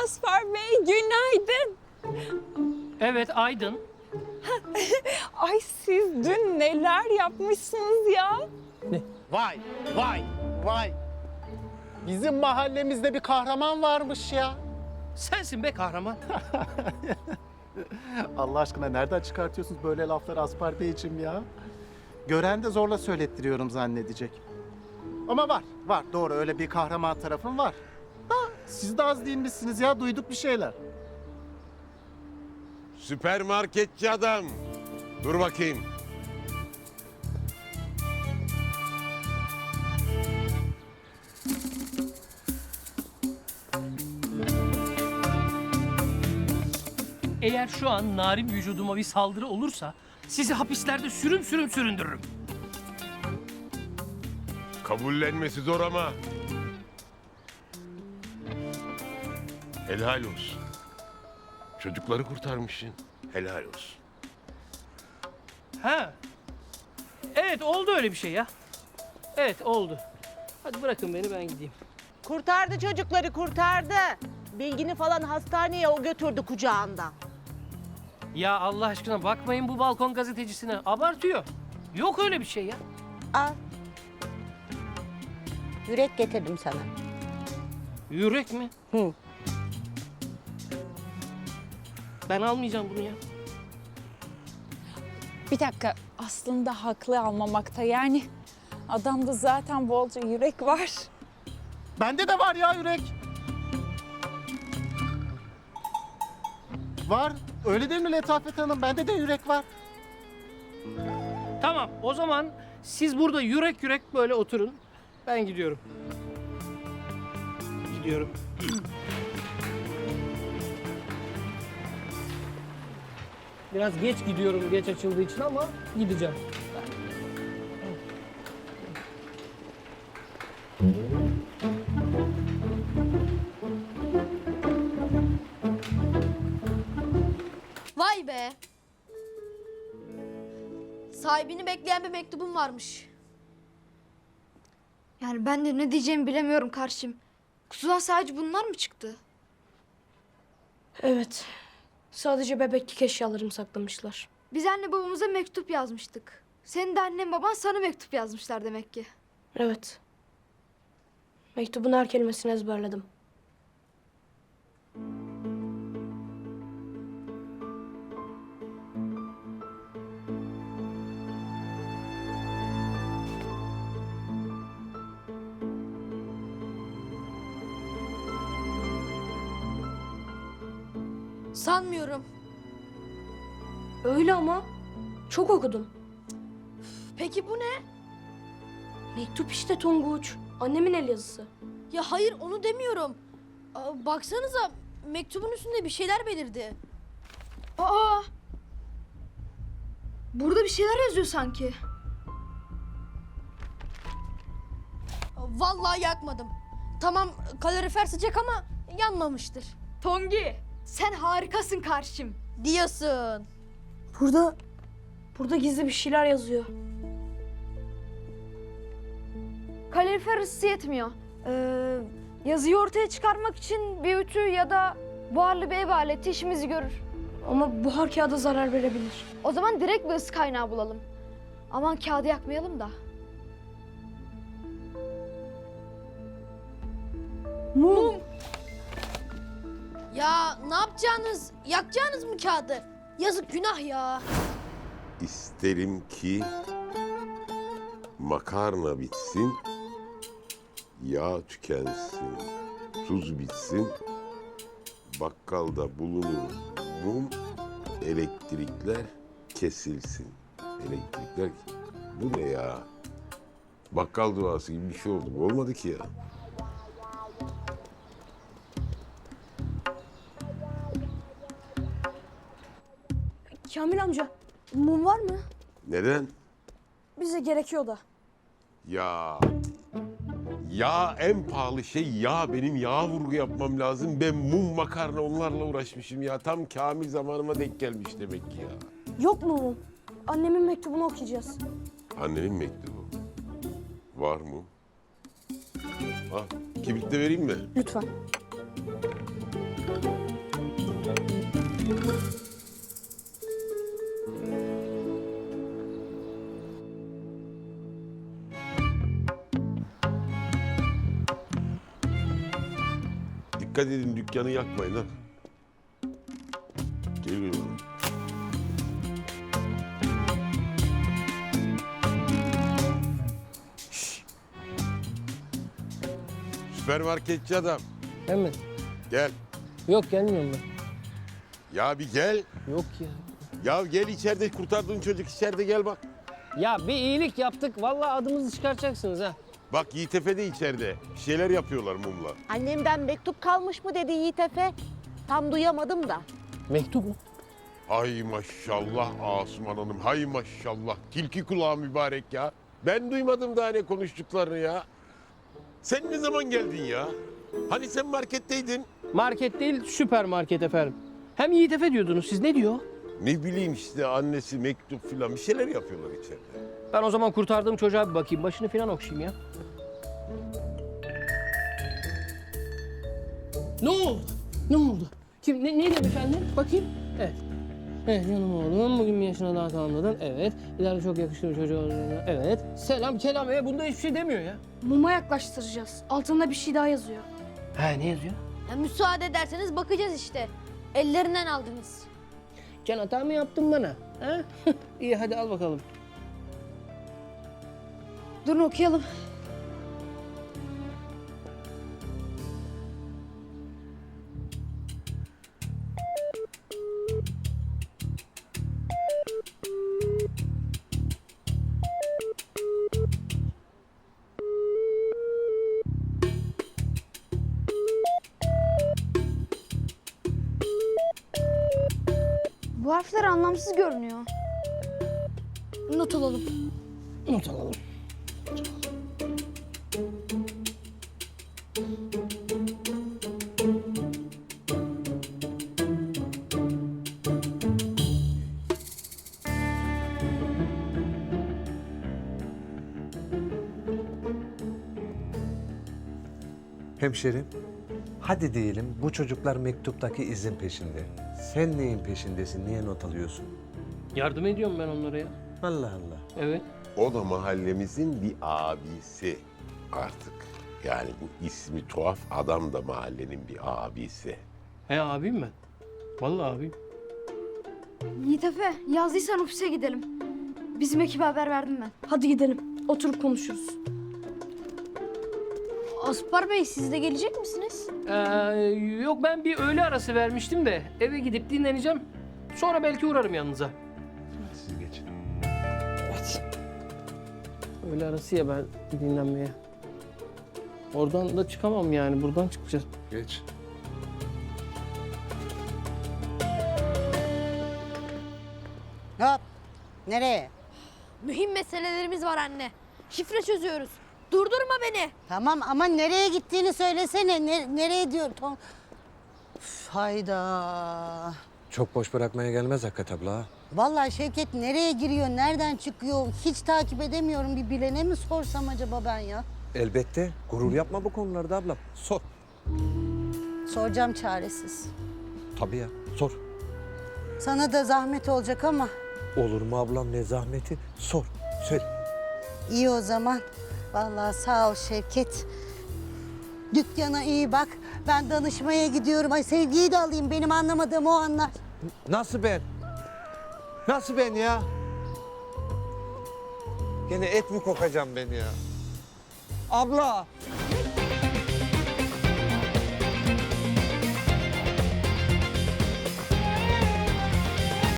Asfar Bey, günaydın. Evet, Aydın. Ay siz dün neler yapmışsınız ya? Vay, vay, vay. Bizim mahallemizde bir kahraman varmış ya. Sensin be kahraman. Allah aşkına nereden çıkartıyorsunuz böyle lafları Aspar Beyciğim ya? Gören de zorla söylettiriyorum zannedecek. Ama var. Doğru öyle bir kahraman tarafım var. Da siz de az değilmişsiniz ya, duyduk bir şeyler. Süpermarketçi adam. Dur bakayım. Eğer şu an narin vücuduma bir saldırı olursa sizi hapislerde sürüm sürüm süründürürüm. Kabullenmesi zor ama. Helal olsun. Çocukları kurtarmışsın. Helal olsun. Ha. Evet, oldu öyle bir şey ya. Evet, oldu. Hadi bırakın beni, ben gideyim. Kurtardı çocukları, kurtardı. Bilgini falan hastaneye o götürdü kucağında. Ya Allah aşkına bakmayın bu balkon gazetecisine. Abartıyor. Yok öyle bir şey ya. Al. Yürek getirdim sana. Yürek mi? Hı. Ben almayacağım bunu ya. Bir dakika, aslında haklı almamakta. Yani adamda zaten bolca yürek var. Bende de var ya yürek. Var. Öyle değil mi Letafet Hanım? Bende de yürek var. Tamam, o zaman siz burada yürek yürek böyle oturun. Ben gidiyorum. Gidiyorum. Biraz geç gidiyorum, geç açıldığı için ama gideceğim. Vay be. Sahibini bekleyen bir mektubum varmış. Yani ben de ne diyeceğimi bilemiyorum karşım. Kutudan sadece bunlar mı çıktı? Evet. Sadece bebeklik eşyalarımı saklamışlar. Biz anne babamıza mektup yazmıştık. Senin de annen baban sana mektup yazmışlar demek ki. Evet. Mektubun her kelimesini ezberledim. Sanmıyorum. Öyle ama. Çok okudum. Peki bu ne? Mektup işte Tonguç. Annemin el yazısı. Ya hayır onu demiyorum. Baksanıza mektubun üstünde bir şeyler belirdi. Aa! Burada bir şeyler yazıyor sanki. Vallahi yakmadım. Tamam kalorifer sıcak ama yanmamıştır. Tongi sen harikasın karşım. Diyorsun. Burada gizli bir şeyler yazıyor. Kalorifer ısısı yetmiyor. Yazıyı ortaya çıkarmak için bir ütü ya da buharlı bir ev aleti işimizi görür. Ama buhar kağıda zarar verebilir. O zaman direkt bir ısı kaynağı bulalım. Aman kağıdı yakmayalım da. Mum. Ya ne yapacağınız? Yakacağınız mı kağıdı? Yazık günah ya. İsterim ki makarna bitsin, yağ tükensin, tuz bitsin, bakkalda bulunur mum, elektrikler kesilsin. Elektrikler, bu ne ya? Bakkal duası gibi bir şey oldu. Bu olmadı ki ya. Kamil amca, mum var mı? Neden? Bize gerekiyor da. Ya. Ya en pahalı şey yağ. Benim yağ vurgu yapmam lazım. Ben mum, makarna onlarla uğraşmışım ya. Tam Kamil zamanıma denk gelmiş demek ki ya. Yok mu mum? Annemin mektubunu okuyacağız. Annenin mektubu. Var mı? Al, kibrit de vereyim mi? Lütfen. Dikkat edin, dükkanı yakmayın ha. Geliyorum. Şşş! Süpermarketçi adam, Hemen. gel. Yok gelmiyorum ben. Ya bir gel. Yok ya. Ya gel, içeride kurtardığın çocuk içeride, gel bak. Ya bir iyilik yaptık. Vallahi adımızı çıkartacaksınız ha. Bak Yiğit Efe de içeride. Bir şeyler yapıyorlar mumla. Annemden mektup kalmış mı dedi Yiğit Efe. Tam duyamadım da. Mektup mu? Hay maşallah Asuman Hanım, hay maşallah. Tilki kulağı mübarek ya. Ben duymadım daha ne konuştuklarını ya. Sen ne zaman geldin ya? Hani sen marketteydin? Market değil, süpermarket efendim. Hem Yiğit Efe diyordunuz. Siz ne diyor? Ne bileyim işte, annesi mektup filan bir şeyler yapıyorlar içeride. Ben o zaman kurtardığım çocuğa bir bakayım. Başını falan okşayayım ya. Ne oldu? Ne oldu? Kim? Ne dedi efendim? Bakayım. Evet. Evet canım oğlum. Bugün bir yaşına daha tamamladın. Evet. İleride çok yakışıklı bir çocuğu olacağını. Evet. Selam kelam. Bunda hiçbir şey demiyor ya. Muma yaklaştıracağız. Altında bir şey daha yazıyor. Ha ne yazıyor? Ya müsaade ederseniz bakacağız işte. Ellerinden aldınız. Can hata mı yaptın bana? Ha? İyi hadi al bakalım. Durun okuyalım. Bu harfler anlamsız görünüyor. Not alalım. Not alalım. Hemşerim, hadi diyelim bu çocuklar mektuptaki izin peşinde. Sen neyin peşindesin, niye not alıyorsun? Yardım ediyorum ben onlara ya. Allah Allah. Evet. O da mahallemizin bir abisi artık. Yani bu ismi tuhaf adam da mahallenin bir abisi. He abiyim ben. Vallahi abiyim. Yiğit Efe, yazdıysan ofise gidelim. Bizim ekibe haber verdim ben. Hadi gidelim. Oturup konuşuruz. Aspar Bey siz de gelecek misiniz? Yok ben bir öğle arası vermiştim de eve gidip dinleneceğim. Sonra belki uğrarım yanınıza. Siz geçin. Evet. Öğle arası ya ben dinlenmeye. Oradan da çıkamam yani. Buradan çıkacağız. Geç. Hop. Nereye? Mühim meselelerimiz var anne. Şifre çözüyoruz. Durdurma beni. Tamam ama nereye gittiğini söylesene. Nereye diyor? Üf, hayda. Çok boş bırakmaya gelmez Hakikat abla. ha. Vallahi Şevket nereye giriyor, nereden çıkıyor hiç takip edemiyorum. Bir bilene mi sorsam acaba ben ya? Elbette. Gurur yapma bu konularda ablam. Sor. Soracağım çaresiz. Tabii ya, sor. Sana da zahmet olacak ama Olur mu ablam, ne zahmeti? Sor, söyle. iyi o zaman. Vallahi sağ ol Şevket. Dükkana iyi bak. Ben danışmaya gidiyorum. Ay Sevgi'yi de alayım. Benim anlamadığım o anlar. Nasıl ben? Nasıl ben ya? Gene et mi kokacağım ben ya? Abla!